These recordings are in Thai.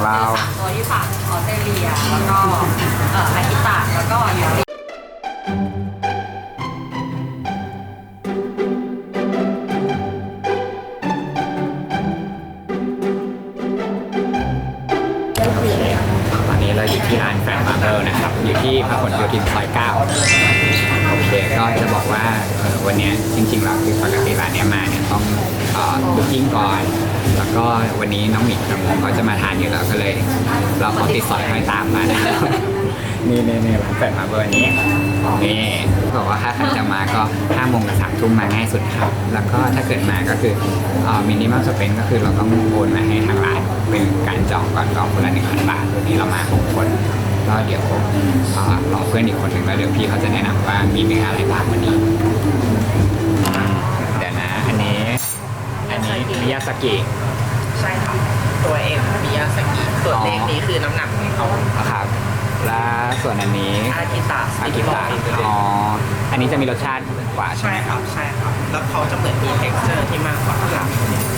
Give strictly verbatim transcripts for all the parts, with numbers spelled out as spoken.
เราตัวที่ฝากออสเตรเลียแล้วก็เอ่ออากิตะแล้วก็ยูริตอนนี้เราอยู่ที่ร้านแฟนมาร์เบิลนะครับอยู่ที่พหลโยธินซอยเก้าโอเคก็จะบอกว่าวันนี้จริงๆแล้วคือปกติร้านนี้มาเนี่ยต้องบุ๊กิ้งก่อนแล้วก็วันนี้น้องหมิกกับผมก็จะมาทานอยู่แล้วก็เลยเราขอติดสอยห้อยตามมานะครับนี่นี่นี่ร้านแฟนมาร์เบิลนี้นี่บอกว่าถ้าใครจะมาก็ห้าโมงกับสามทุ่มมาง่ายสุดครับแล้วก็ถ้าเกิดมาก็คือมินิมัลสเปนก็คือเราต้องโอนมาให้ทางร้านเป็นการจองก่อนจองคนละหนึ่งพันบาทวันนี้เรามาหกคนก็เดี๋ยวรอเพื่อนอีกคนหนึ่งแล้วเดี๋ยวพี่เขาจะแนะนำว่ามีเมนูอะไรบ้างวันนี้เดี๋ยวนะอันนี้อันนี้มิยาสกิใช่ครับตัวเอ็มมิยาสกิส่วนเลขนี้คือน้ำหนักของเขาครับและส่วนอันนี้อากิตะอากิตะอ๋ออันนี้จะมีรสชาติกว่าใช่ไหมครับใช่ครับแล้วเขาจะเหมือนมี texture ที่มากกว่าครับ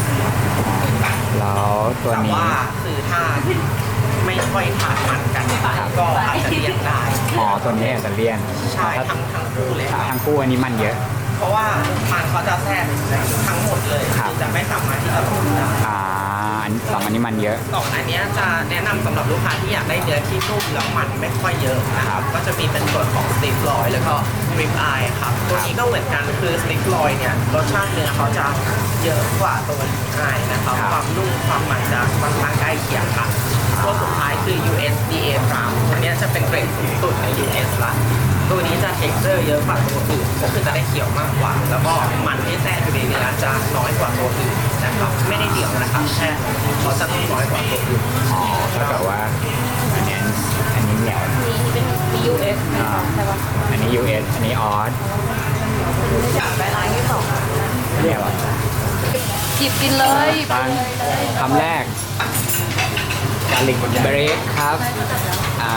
แล้วตัวนี้แต่ว่าคือถ้าไม่ค่อยทานมันกันก็อาจจะเลี่ยนได้อ๋อตัวนี้อาจจะเลี่ยนใช่ทั้งทั้งคู่เลยครับทั้งคู่อันนี้มันเยอะเพราะว่ามันเขาจะแทรกทั้งหมดเลยจะไม่สามารถที่จะพูดได้อ่าสองอันนี้มันเยอะสองอันนี้จะแนะนำสำหรับลูกค้าที่อยากได้เนื้อที่นุ่มแล้วมันไม่ค่อยเยอะนะครับก็จะมีเป็นส่วนของสติ๊กลอยแล้วก็ริบอายครับตัวนี้ก็เหมือนกันคือสติ๊กลอยเนี่ยรสชาติเนื้อเขาจะเยอะกว่าตัวริบอายนะครับความนุ่มความมันจะค่อนข้างใกล้เคียงกันตัวสุดท้ายคือ ยู เอส ดี เอ Prime ตัวนี้จะเป็นเกรดสูงสุดใน ยู เอส ละตัวนี้จะ texture เยอะกว่าตัวอื่นก็คือจะได้เขียวมากกว่าแล้วก็มันที่แทรกอยู่ในเนื้อจะน้อยกว่าตัวอื่นนะครับไม่ได้เดี่ยวนะครับแค่เขาจะต้องน้อยกว่าตัวอื่นอ๋อเท่ากับว่าอันนี้อันนี้เหนียวเป็น ยู เอส ใช่ป่ะอันนี้ ยู เอส อันนี้ออสอยากไปร้านที่สองเรียกว่าหยิบกินเลยคำแรกกาลิกเบรกครับอ่า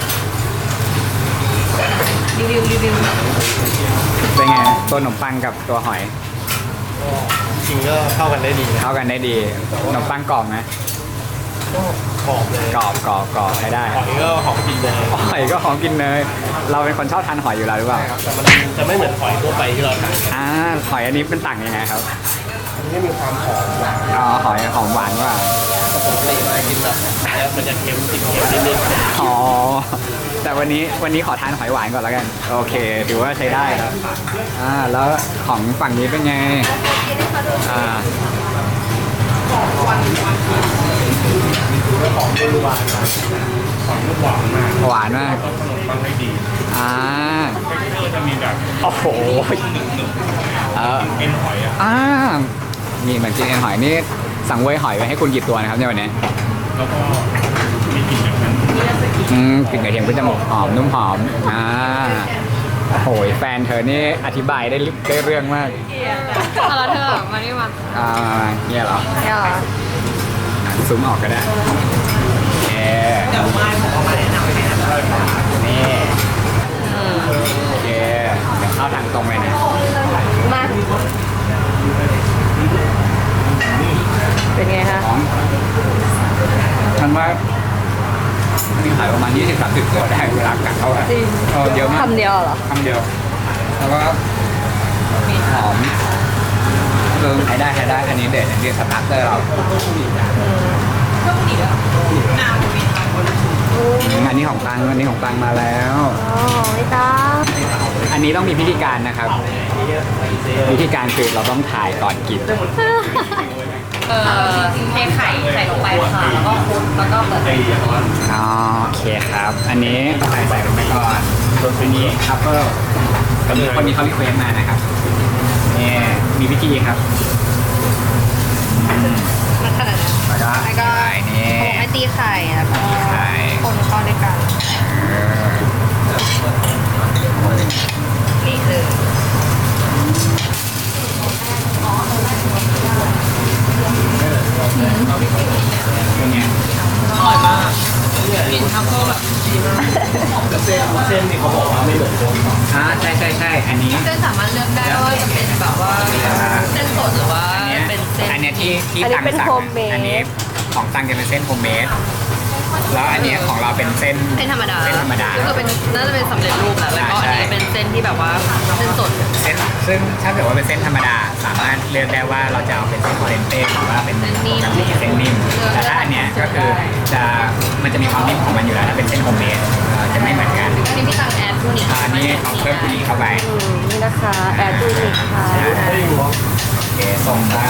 รีวิวรีวิวเป็นไงตัวขนมปังกับตัวหอยจริงก็เข้ากันได้ดีนะเข้ากันได้ดีขนมปังกรอบไหมก็กรอบเลยกรอบกรอบกรอบใช้ได้หอยก็หอมกินเนยหอยก็หอมกินเนยเราเป็นคนชอบทานหอยอยู่แล้วหรือเปล่าแต่มันจะไม่เหมือนหอยทั่วไปที่เราทานอ่าหอยอันนี้เป็นต่างยังไงครับอันนี้มีความหอมหวานอ๋อหอยหอมหวานว่าปกติเรากินแบบแล้วมันจะเค็มติดเค็มนิดนึงอ๋อแต่วันนี้วันนี้ขอทานหอยหวานก่อนแล้วกันโอเคถือว่าใช้ได้ครับอ่าแล้วของฝั่งนี้เป็นไงอ่าของหวานมากของรุ่นหวานมากของรุ่นหวานมากหวานมากขนมปังให้ดีอ่าก็จะมีแบบโอ้โหเออเอ็นหอยอ่ะอ่ามีเหมือนกินเอ็นหอยนี่สั่งเว้ยหอยไว้ให้คุณกี่ตัวนะครับในวันนี้แล้วก็มีกลิ่นแบบนั้นอืมกลิ่นกระเทียมก็จะหมกหอมนุ่มหอมอ่าโอ้ยแฟนเธอนี่อธิบายได้ได้เรื่องมากอะไรเธอมานี่มาอ่าเนี่ยเหรอเนี่ยเหรอซูมออกก็ได้โอเคเดี๋ยวมาผมเอามาแนะนำให้นะนี่โอเคเข้าทางตรงเลยเนี่ยมาเป็นไงฮะฉันว่ามีขายประมาณยี่สิบสามสิบตัวได้เวลากัดเข้าไปเยอะมากคำเดียวเหรอคำเดียวแล้วก็มีหอมเติมใช้ได้ใช้ได้อันนี้เด็ดอันนี้สตาร์เตอร์เราอันนี้ของตังอันนี้ของตังมาแล้วอ๋อไม่ตังอันนี้ต้องมีพิธีการนะครับวิธีการคือเราต้องถ่ายก่อนกินเออเทไข่ใส่ลงไปค่ะแล้วก็คลุกแล้วก็เปิดอ๋อโอเคครับอันนี้ใส่ใส่ลงไปก่อนส่วนอันนี้คัพเปิลก็คือคนนี้เขารีเควสมานะครับนี่มีวิธีครับมันขนาดนั้นแล้วก็แล้วก็นี่ไอตีไข่แล้วก็คนเข้าด้วยกันนี่คือเป็นไงอร่อยมากกินทัฟเฟิลแบบดีมากเส้นเส้นนี่เขาบอกว่าไม่เหมือนโดนอ่าใช่ใช่ใช่อันนี้เส้นสามารถเลือกได้ว่าจะเป็นแบบว่าเส้นสดหรือว่าเป็นเส้นอันนี้ที่ที่ตังสั่งอันนี้ของตังจะเป็นเส้นโฮมเมดแล้วอันเนี้ยของเราเป็นเส้นเส้นธรรมดาเส้นธรรมดาก็คือเป็นน่าจะเป็นสำเร็จรูปแหละแล้วก็ใช่อันนี้เป็นเส้นที่แบบว่าเส้นสดเส้นซึ่งถ้าเกิดว่าเป็นเส้นธรรมดา สามารถเลือกได้ว่าเราจะเอาเป็นเส้นคอเรนเต้หรือว่าเป็นเส้นนิ่มปกติเส้นนิ่มแต่ถ้าอันเนี้ยก็คือจะมันจะมีความนิ่มของมันอยู่แล้วถ้าเป็นเส้นโฮมเมดเอ่อจะไม่เหมือนกันอันนี้พี่ตังแอดทูนิคอันนี้เอาเพิ่มตัวนี้เข้าไปนี่นะคะแอดทูนิคค่ะโอเคส่งได้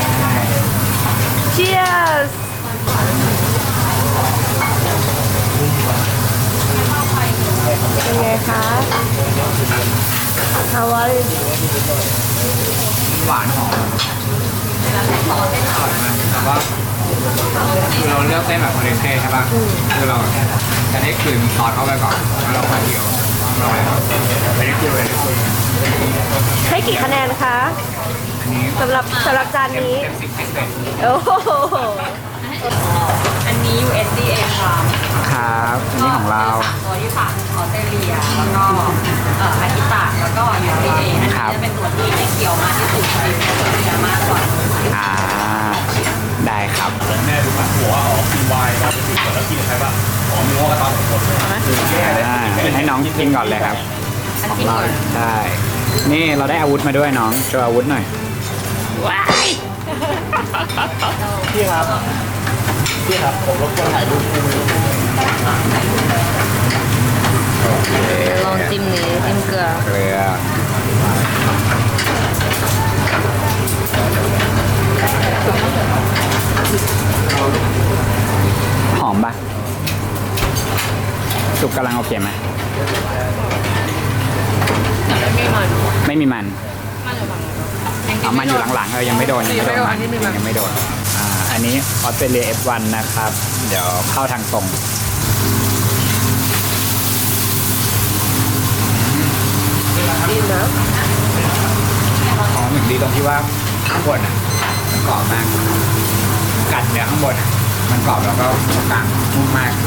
Cheers เป็นไงคะ How are you หวานหอมอร่อยมากแต่ว่าคือเราเลือกเส้นแบบคอเรนเต้ใช่ป่ะคือเราจะได้กลืนซอสเข้าไปก่อนแล้วเราค่อยเคี่ยวอร่อยครับไม่ได้กลืนเลยให้กี่คะแนนคะอันนี้สำหรับสำหรับจานเต็มนี้เต็มสิบพิเศษโอ้โหอันนี้ ยู เอส ดี เอ ค่ะครับอันนี้ของเราตัวที่ฝากออสเตรเลีย แล้วก็เอ่ออากิตะแล้วก็ ยู เอส ดี เอ อันนี้ครับจะเป็นตัวที่ไม่เกี่ยวมากที่สุดคือจะมากกว่าอ่าได้ครับแม่ดูผัดหัวอ๋อกินไวน์เราไปกินแล้วกินใครบ้างอ๋อมีหัวกระตอนสองคนอ่าให้น้องกินก่อนเลยครับอันของที่หเรานึ่งใช่นี่เราได้อาวุธมาด้วยน้องโชว์อาวุธหน่อยว้ายพี่ครับพี่ครับผมรบกวนถ่ายรูปคู่โอเคลองจิ้มนี้จิ้มเกลือเกลือหอมปะสุกกำลังโอเคไหมแต่ไม่มันไม่มีมันมันอยู่ฝั่งเอามันอยู่หลังๆเออยังไม่โดนยังไม่โดนมันยังไม่โดนยังไม่โดนอ่าอันนี้ออสเตรเลีย เอฟ วัน นะครับ เดี๋ยวเข้าทางตรงดีนะอ๋อหนึ่งดีตรงที่ว่าข้างบนอ่ะมันกรอบมากกัดเนื้อข้างบนอ่ะมันกรอบแล้วก็ตรงกลางนุ่มมาก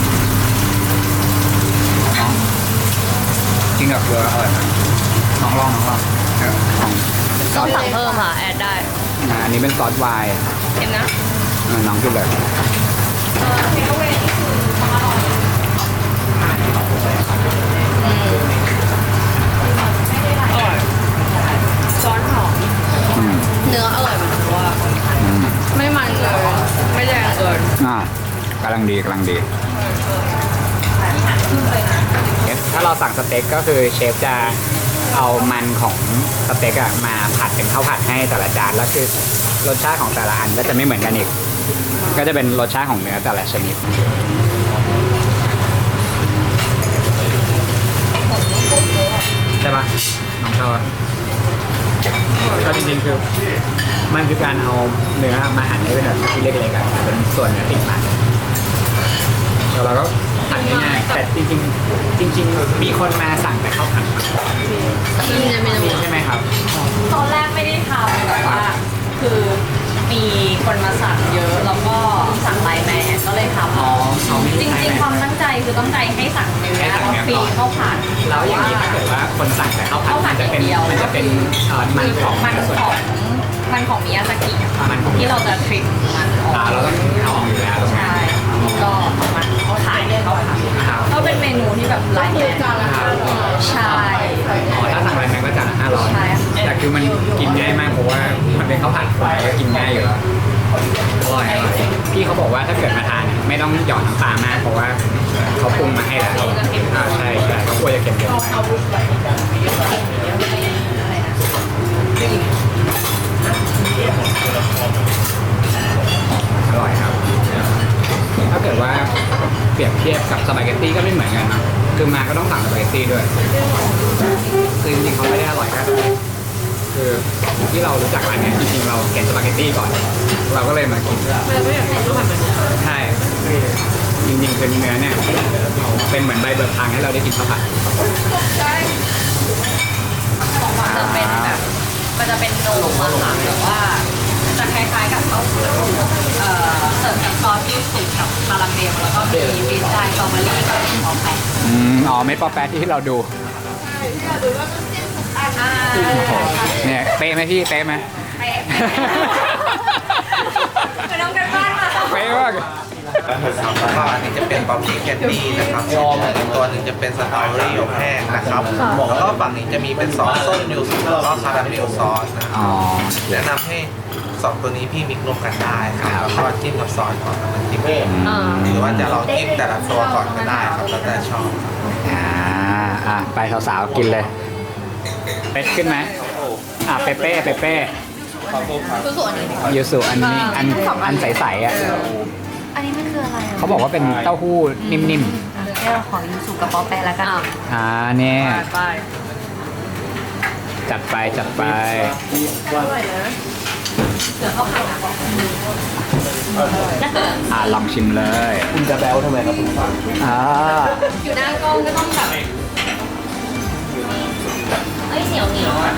น้องกินกับเกลืออร่อยมากน้องลองน้องลองเออลองต้องสั่งเพิ่มค่ะ แอดได้อ่าอันนี้เป็นซอสไวน์เห็นนะเออน้องกินเลยอืมอร่อยซอสหอมอืมเนื้ออร่อยเหมือนกันว่าอืมไม่มันเลย ไม่แดงเกินอ่ากำลังดีกำลังดีเชฟถ้าเราสั่งสเต็กก็คือเชฟจะเอามันของสเต็กอะมาผัดเป็นข้าวผัดให้แต่ละจานแล้วคือรสชาติของแต่ละอันก็จะไม่เหมือนกันอีก ก็จะเป็นรสชาติของเนื้อแต่ละชนิดใช่ปะน้องชอบปะก็จริงๆคือมันคือการเอาเนื้อมาหั่นให้เป็นแบบชิ้นเล็กๆอะเป็นส่วนเนื้อติดมันแล้วเราก็หั่นง่ายๆแต่จริงๆ จริง ๆ มีคนมาสั่งแต่ข้าวผัดมามีจะมีมีใช่ไหมครับตอนแรกไม่ได้ทำแต่ว่าคือมีคนมาสั่งเยอะแล้วก็สั่งไลน์แมนก็เลยทำอ๋อเขาไม่จได้ริงๆความตั้งใจคือตั้งใจให้สั่งเนื้อให้สั่งแล้วเนื้อฟรีก่อนข้าวผัดแล้วอย่างนี้ถ้าเกิดว่าคนสั่งแต่ข้าวผัดข้าวผัมัดนจะเป็นอย่างเดียวมันจะเป็นเอ่อมันของมันส่วนของมันของมิยาซากิอะค่ะมันของที่เราจะทริมมันออกอ่าเราต้องเอาออกอยู่แล้วตรงนี้ใช่ก็เอามันเขาขายเขาขายก็เป็นเมนูที่แบบไลน์แมนใช่อ๋อถ้าสั่งอะไรแพงก็จานละห้าร้อยใช่แต่คือมันกินง่ายมากเพราะว่ามันเป็นข้าวผัดคนก็กินง่ายอยู่แล้วอร่อยอร่อยพี่เขาบอกว่าถ้าเกิดมาทานอะไม่ต้องหยอดน้ำปลามากเพราะว่าเขาปรุงมาให้แล้วอ่าใช่ใช่เขากลัวจะเค็มเกินไปอร่อยครับ ถ้าเกิดว่าเปรียบเทียบกับสปาเกตตี้ก็ไม่เหมือนกันนะคือมาก็ต้องสั่งสปาเกตตี้ด้วยคือจริงๆเขาไม่ได้อร่อยแค่นั้นคือที่เรารู้จักร้านเนี้ยจริงๆเราเก็นสปาเกตตี้ก่อน เราก็เลยมากินใช่จริงๆคือเนื้อเนี่ยเป็นเหมือนใบเบิกทางให้เราได้กินข้าวผัดของหวานจะเป็นแบบมันจะเป็นนมอะค่ะแต่ว่าจะคล้ายๆกับข้าวเอ่อเสิร์ฟกับซอสที่สูตรกับคาราเมลแล้วก็มีฟีสไตล์สตรอเบอรี่กับหอมแปะอืมอ๋อไม่ปอแปะที่เราดูอ่าเนี่ยเป๊ะไหมพี่เป๊ะไหมเป๊ะไปน้องกันบ้านมาเป๊ะมากนะครับแล้วก็อันนี้จะเป็นป๊อปปี้แคนดี้นะครับอีกตัวหนึ่งจะเป็นสตรอเบอรี่อบแห้งนะครับแล้วก็ฝั่งนี้จะมีเป็นซอสส้มยูสุแล้วก็คาราเมลซอสนะคอ๋รัอบแนะนำให้สองตัวนี้พี่มิกซ์รวมกันได้ครับแล้วก็จิ้มกับซอสก่อนแล้วมันจิ้มเองอ่าหรือว่าจะลองจิ้มแต่ละตัวก่อนก็ได้ครับแล้วแต่ชอบอ่าอ่ะไปสาวๆกินเลยเป็ดขึ้นไหมอ่ะเปเป้เปเป้คือส่วนนี้ยูสุอันนี้อันอันใสๆอ่ะอันนี้มันคืออะไรอ่ะเขาบอกว่าเป็นเต้าหู้นิ่มเดี๋ยวเราขอยูสุกับป๊อปแปะแล้วกันๆอ่าเนี่ยไปจัดไปจัดไปเดี๋ยวเข้าข่าวนะบอกอ่าลองชิมเลยคุณจะแบลทำไมครับคุณฟังอ่าอยู่หน้ากล้องก็ต้องแบบเอ้ยเหนียวเหนียวอ่ะ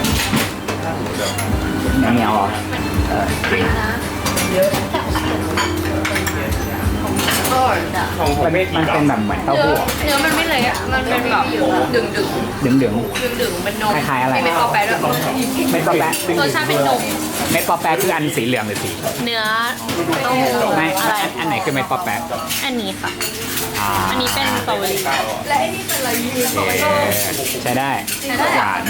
เหนียวๆเหรอเออนะเยอะแต่ของเสียอร่อยอ่ะของผมมันไม่มันเป็นแบบเหมือนเต้าหู้เนื้อมันไม่เละอ่ะมันเป็นแบบดึงดึงดึงดึงดึงดึงเป็นนมคล้ายๆอะไรมีเม็ดป๊อปแปะด้วยๆเม็ดปอแปะรสชาติเป็นนมเม็ดปอแปะคืออันสีเหลืองหรือสีเนื้อเต้าหู้ไม่อะไรอันอันไหนคือเม็ดปอแปะอันนี้ค่ะอ่าอันนี้เป็นสตรอเบอรี่และไอ้นี่เป็นอะไรยูโอเคใช้ได้หวาน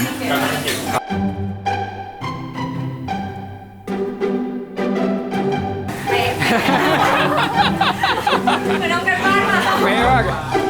ไปน้องกันบ้านมาไม่ว่า